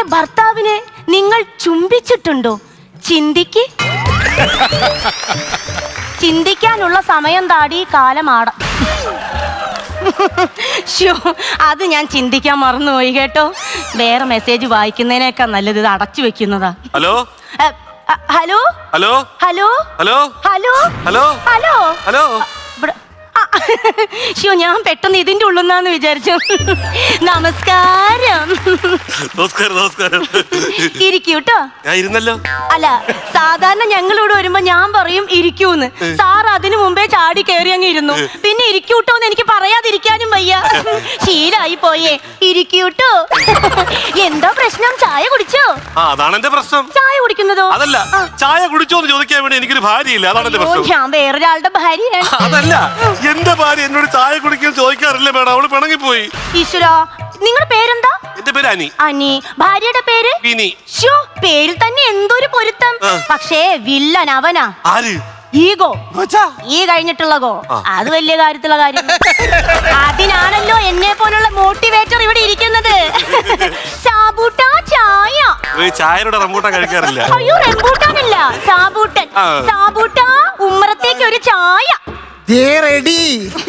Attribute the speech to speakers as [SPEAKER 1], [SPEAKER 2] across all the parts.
[SPEAKER 1] ഭർത്താവിനെ നിങ്ങൾ ചുംബിച്ചിട്ടുണ്ടോ? ചിന്തിക്കാനുള്ള സമയം താടി കാലമാട. അത് ഞാൻ ചിന്തിക്കാൻ മറന്നുപോയി കേട്ടോ. വേറെ മെസ്സേജ് വായിക്കുന്നതിനേക്കാൾ നല്ലത് ഇത് അടച്ചു വെക്കുന്നതാ.
[SPEAKER 2] Hello
[SPEAKER 1] hello
[SPEAKER 2] hello
[SPEAKER 1] hello
[SPEAKER 2] hello
[SPEAKER 1] hello
[SPEAKER 2] hello
[SPEAKER 1] hello
[SPEAKER 2] hello.
[SPEAKER 1] ഞാൻ പെട്ടെന്ന് ഇതിന്റെ ഉള്ളുന്നാന്ന് വിചാരിച്ചു. നമസ്കാരം.
[SPEAKER 2] നമസ്കാരം നമസ്കാരം.
[SPEAKER 1] ഇരിക്കൂട്ടോ.
[SPEAKER 2] ഞാൻ ഇരുന്നല്ലോ.
[SPEAKER 1] അല്ല, സാധാരണ ഞങ്ങളിവിടെ വരുമ്പോ ഞാൻ പറയും ഇരിക്കൂന്ന്. സാർ അതിനു മുമ്പേ ചാടി കയറി അങ്ങ് ഇരുന്നു. പിന്നെ ഇരിക്കൂട്ടോന്ന് എനിക്ക് പറയാതിരിക്കാനും വയ്യ. ശീലായി പോയേ. ഇരിക്കൂട്ടോ. എന്താ പ്രശ്നം? ചായ കുടിച്ചോ?
[SPEAKER 2] അതാണ് എന്റെ പ്രശ്നം.
[SPEAKER 1] ചായ കുടിക്കുന്നതോ?
[SPEAKER 2] അതല്ല, ചായ കുടിച്ചോന്ന് ചോദിക്കാൻ വേണ്ടി എനിക്കൊരു ഭാര്യയില്ല. അതാണ് എന്റെ പ്രശ്നം.
[SPEAKER 1] ഞാൻ വേറൊരാളുടെ ഭാര്യയാണ്.
[SPEAKER 2] അതല്ല, എന്റെ ഭാര്യ എന്നോട് ചായ കുടിക്കാൻ ചോദിക്കാറില്ല മേഡം. അവള് പിണങ്ങിപ്പോയി.
[SPEAKER 1] ഈശ്വരാ, നിങ്ങളുടെ പേരെന്താ?
[SPEAKER 2] എന്റെ പേര് അനി.
[SPEAKER 1] അനി. ഭാര്യയുടെ പേര്?
[SPEAKER 2] വിനി.
[SPEAKER 1] പേരിൽ തന്നെ എന്തൊരു പൊരുത്തം. പക്ഷേ വില്ലൻ അവനാ.
[SPEAKER 2] ആര്?
[SPEAKER 1] ഈഗോ. ഈ കഴിഞ്ഞിട്ടുള്ള ഗോ. അത് വലിയ കാര്യത്തിലുള്ള കാര്യം. അതിനാണല്ലോ എന്നെ പോലുള്ള മോട്ടിവേറ്റർ ഇവിടെ ഇരിക്കുന്നത്. സാബൂട്ടാ ചായ.
[SPEAKER 2] ചായയുടെ റംബൂട്ടാൻ കഴിക്കാറില്ല.
[SPEAKER 1] അയ്യോ, റംബൂട്ടാനല്ല, സാബൂട്ടൻ. സാബൂട്ടാ, ഉമ്മറത്തേക്ക് ഒരു ചായ.
[SPEAKER 3] റെഡി.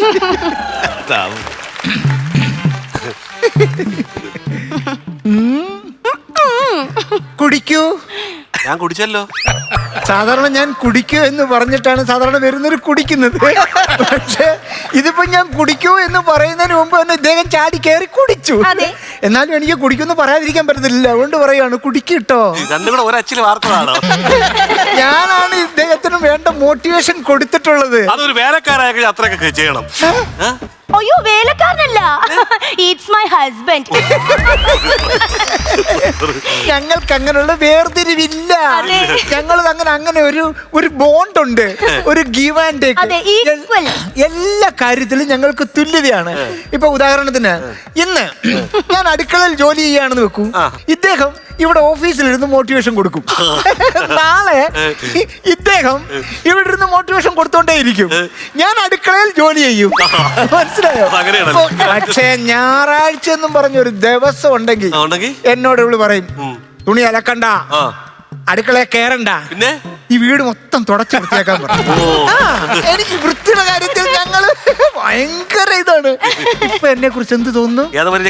[SPEAKER 3] കുടിക്കൂ.
[SPEAKER 2] ഞാൻ കുടിച്ചല്ലോ.
[SPEAKER 3] സാധാരണ ഞാൻ കുടിക്കൂ എന്ന് പറഞ്ഞിട്ടാണ് സാധാരണ വരുന്നവർ കുടിക്കുന്നത്. പക്ഷെ ഇതിപ്പോ ഞാൻ കുടിക്കൂ എന്ന് പറയുന്നതിന് മുമ്പ് തന്നെ ഇദ്ദേഹം ചാടി കയറി കുടിച്ചു. എന്നാലും എനിക്ക് കുടിക്കുമെന്ന് പറയാതിരിക്കാൻ പറ്റത്തില്ല. അതുകൊണ്ട് പറയാണ് കുടിക്കിട്ടോ.
[SPEAKER 2] രണ്ടും കൂടെ ഒരച്ചിൽ വാർത്തതാണോ?
[SPEAKER 3] ഞാനാണ് ഇദ്ദേഹത്തിന് വേണ്ട മോട്ടിവേഷൻ കൊടുത്തിട്ടുള്ളത്.
[SPEAKER 2] അതൊരു വേലക്കാരായ അത്രയൊക്കെ ചെയ്യണം.
[SPEAKER 1] അയ്യോ, വേലക്കാരനല്ല, ഇറ്റ്സ് മൈ ഹസ്ബൻഡ്.
[SPEAKER 3] ഞങ്ങൾക്ക് അങ്ങനെയുള്ള വേർതിരിവില്ല. ഞങ്ങൾ അങ്ങനെ ഒരു ബോണ്ട് ഉണ്ട്, ഒരു ഗീവ് ആൻഡ് ടേക്ക്. എല്ലാ കാര്യത്തിലും ഞങ്ങൾക്ക് തുല്യതയാണ്. ഇപ്പൊ ഉദാഹരണത്തിന്, ഇന്ന് ഞാൻ അടുക്കളയിൽ ജോലി ചെയ്യാണെന്ന് വെക്കൂ. ഇദ്ദേഹം ഇവിടെ ഓഫീസിലിരുന്ന് മോട്ടിവേഷൻ കൊടുക്കും. നാളെ ഇദ്ദേഹം ഇവിടെ ഇരുന്ന് മോട്ടിവേഷൻ കൊടുത്തോണ്ടേയിരിക്കും. ഞാൻ അടുക്കളയിൽ ജോലി ചെയ്യും. മനസ്സിലായോ? പക്ഷേ ഞായറാഴ്ച എന്നും പറഞ്ഞൊരു ദിവസം ഉണ്ടെങ്കിൽ എന്നോട് ഇവള് പറയും, തുണി അലക്കണ്ട, അടുക്കളയെ കയറണ്ട, പിന്നെ ഈ വീട് മൊത്തം തുടച്ചു വൃത്തിയാക്കാൻ പറയും. എനിക്ക് വൃത്തിയുടെ കാര്യത്തിൽ ഞങ്ങള് ഭയങ്കര ഇതാണ്. ഇപ്പൊ എന്നെ കുറിച്ച് എന്ത് തോന്നുന്നു?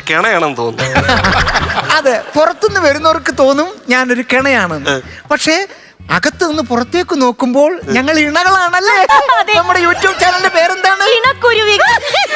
[SPEAKER 3] അതെ, പുറത്തുനിന്ന് വരുന്നവർക്ക് തോന്നും ഞാനൊരു കിണയാണെന്ന്. പക്ഷേ അകത്ത് നിന്ന് പുറത്തേക്ക് നോക്കുമ്പോൾ ഞങ്ങൾ ഇണകളാണല്ലേ. നമ്മുടെ യൂട്യൂബ് ചാനലിന്റെ പേരെന്താണ്?
[SPEAKER 1] ഇണക്കുരുവികൾ.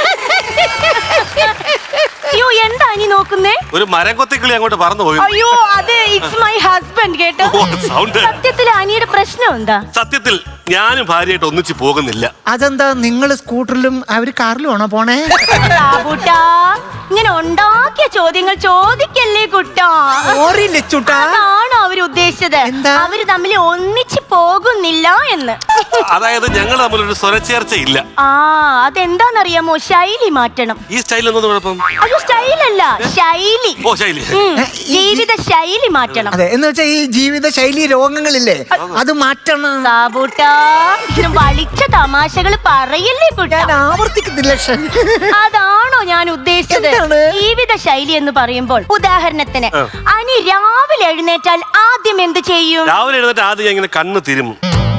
[SPEAKER 1] അയ്യോ, എന്താ നീ നോക്കുന്നേ?
[SPEAKER 2] ഒരു മരം കൊത്തിക്കിളി അങ്ങോട്ട് പറന്നു പോയി.
[SPEAKER 1] അയ്യോ, അത് ഇറ്റ്സ് മൈ ഹസ്ബൻഡ് കേട്ടോ. സത്യത്തിൽ അനിയുടെ പ്രശ്നം എന്താ?
[SPEAKER 2] സത്യത്തിൽ ഞാനും ഭാര്യയായിട്ട് ഒന്നിച്ച് പോകുന്നില്ല.
[SPEAKER 3] അതെന്താ? നിങ്ങൾ സ്കൂട്ടറിലും അവര് കാറിലും ആണോ പോണേ?
[SPEAKER 1] ഇങ്ങനെ ഉണ്ടാക്കിയ ചോദ്യങ്ങൾ ചോദിക്കല്ലേ കുട്ടാ. അതാണോ അവര് ഉദ്ദേശിച്ചത്? അവര് തമ്മിൽ ഒന്നിച്ച് പോകുന്നില്ല എന്ന്.
[SPEAKER 2] അതായത് ഞങ്ങൾ തമ്മിലൊരു സ്വരച്ചേർച്ച ഇല്ല.
[SPEAKER 1] അതെന്താന്നറിയാമോ? ശൈലി മാറ്റണം.
[SPEAKER 2] ഈ സ്റ്റൈൽ എന്നത് കുഴപ്പം?
[SPEAKER 1] അയ്യോ, സ്റ്റൈലല്ല, ശൈലി.
[SPEAKER 2] ഓ, ശൈലി.
[SPEAKER 1] ജീവിത ശൈലി മാറ്റണം.
[SPEAKER 3] അതെ, എന്ന് വെച്ചാൽ ഈ ജീവിത ശൈലി രോഗങ്ങളില്ലേ, അത് മാറ്റണം.
[SPEAKER 1] സാബൂട്ടാ, വളിച്ച തമാശകൾ പറയല്ലേ കുട്ടാ.
[SPEAKER 3] ആവർത്തിക്കുന്നില്ല.
[SPEAKER 1] അതാണോ ഞാൻ ഉദ്ദേശിച്ചത്? ജീവിത ശൈലി എന്ന് പറയുമ്പോൾ, ഉദാഹരണത്തിന് അനി രാവിലെ എഴുന്നേറ്റാൽ ആദ്യം എന്ത് ചെയ്യും?
[SPEAKER 2] രാവിലെ എഴുന്നേറ്റ് ആദ്യം ഇങ്ങനെ കണ്ണ് തിരുമും.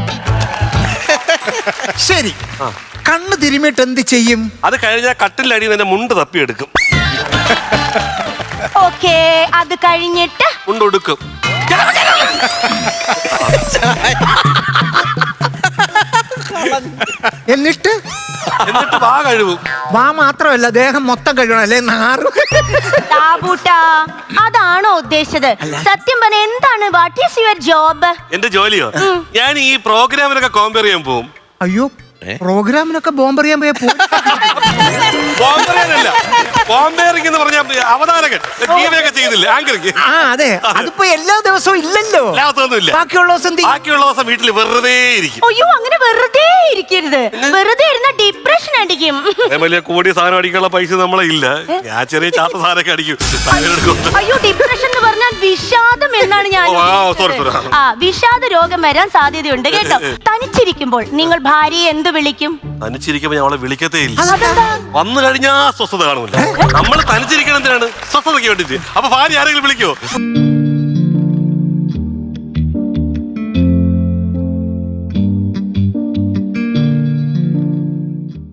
[SPEAKER 3] ശരി, കണ്ണ് തിരുമിട്ട് എന്ത് ചെയ്യും?
[SPEAKER 2] അത് കഴിഞ്ഞാൽ കട്ടിലടി നിന്റെ മുണ്ട് തപ്പിയെടുക്കും.
[SPEAKER 1] ഓക്കേ, അത് കഴിഞ്ഞിട്ട്
[SPEAKER 2] മുണ്ടൊടുക്കും.
[SPEAKER 3] എന്നിട്ട്
[SPEAKER 2] വാ കഴുകും.
[SPEAKER 3] വാ മാത്രമല്ല, ദേഹം മൊത്തം കഴുകണം, അല്ലേ?
[SPEAKER 1] അതാണോ ഉദ്ദേശിച്ചത്? സത്യം പറഞ്ഞ എന്താണ്? What is your job?
[SPEAKER 2] എന്റെ ജോലിയോ? ഞാൻ ഈ പ്രോഗ്രാമിനൊക്കെ കോമ്പയർ ചെയ്യാൻ പോവും.
[SPEAKER 3] അയ്യോ, പ്രോഗ്രാമിനൊക്കെ ബോംബെറിയാൻ പോയ
[SPEAKER 2] അവതാരകൻ ചെയ്തില്ല, ആങ്കറിങ്.
[SPEAKER 3] അതെ, അതിപ്പോ എല്ലാ ദിവസവും ഇല്ലല്ലോ. ബാക്കിയുള്ള
[SPEAKER 2] ദിവസം വീട്ടിൽ വെറുതെ ഇരിക്കും.
[SPEAKER 1] അയ്യോ, അങ്ങനെ വെറുതെ ഇരിക്കരുത്. വെറുതെ ഇരുന്ന ഡിപ്രഷൻ അടിക്കും.
[SPEAKER 2] വലിയ കൂടിയ സാധനം അടിക്കാനുള്ള പൈസ നമ്മളെ ഇല്ല. ഞാൻ ചെറിയ ചാത്ത സാധനമൊക്കെ അടിക്കും.
[SPEAKER 1] അയ്യോ, ഡിപ്രഷൻ എന്ന് പറഞ്ഞാൽ വിഷാദം എന്നാണ് ഞാൻ. വിഷാദ രോഗം വരാൻ സാധ്യതയുണ്ട് കേട്ടോ. തനിച്ചിരിക്കുമ്പോൾ നിങ്ങൾ ഭാര്യയെ എന്ത് വിളിക്കും?
[SPEAKER 2] തനിച്ചിരിക്കുമ്പോ ഞങ്ങളെ വിളിക്കത്തേ ഇല്ല. വന്നു കഴിഞ്ഞാ സ്വസ്ഥത കാണൂല. നമ്മൾ തനിച്ചിരിക്കണം എന്തിനാണ്? സ്വസ്ഥതയ്ക്ക് വേണ്ടിട്ട്. അപ്പൊ ഭാര്യ ആരെങ്കിലും വിളിക്കോ?